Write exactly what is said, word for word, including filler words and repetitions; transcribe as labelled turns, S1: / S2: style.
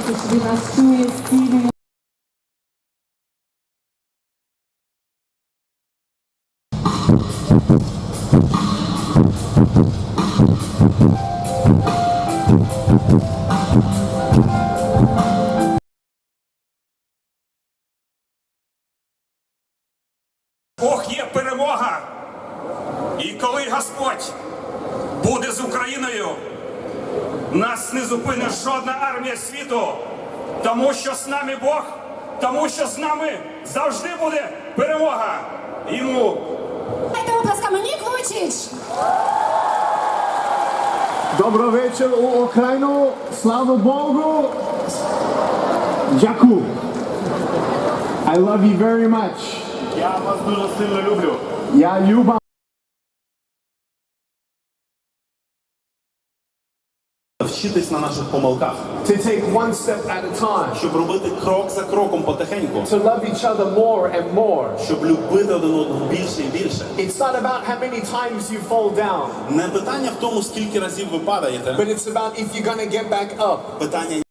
S1: що він нас чує, зцілює.
S2: Бог є перемога. І коли Господь буде з Україною, нас не зупинить жодна армія світу, тому що з нами Бог, тому що з нами завжди буде перемога. Йому.
S3: Дайте оплесками, Нік Вуйчич!
S4: Добрий вечір у Україну, слава Богу! Дякую! I love you very much.
S2: Я вас дуже сильно люблю.
S4: Я люба.
S5: Вчитись на наших помилках,
S4: To take one step at a time.
S5: щоб робити крок за кроком потихеньку,
S4: To love each other more and more.
S5: щоб любити один одного більше і більше.
S4: It's not about how many times you fall down,
S5: Не питання в тому, скільки разів ви падаєте,
S4: but it's about if you're gonna get back up.
S5: питання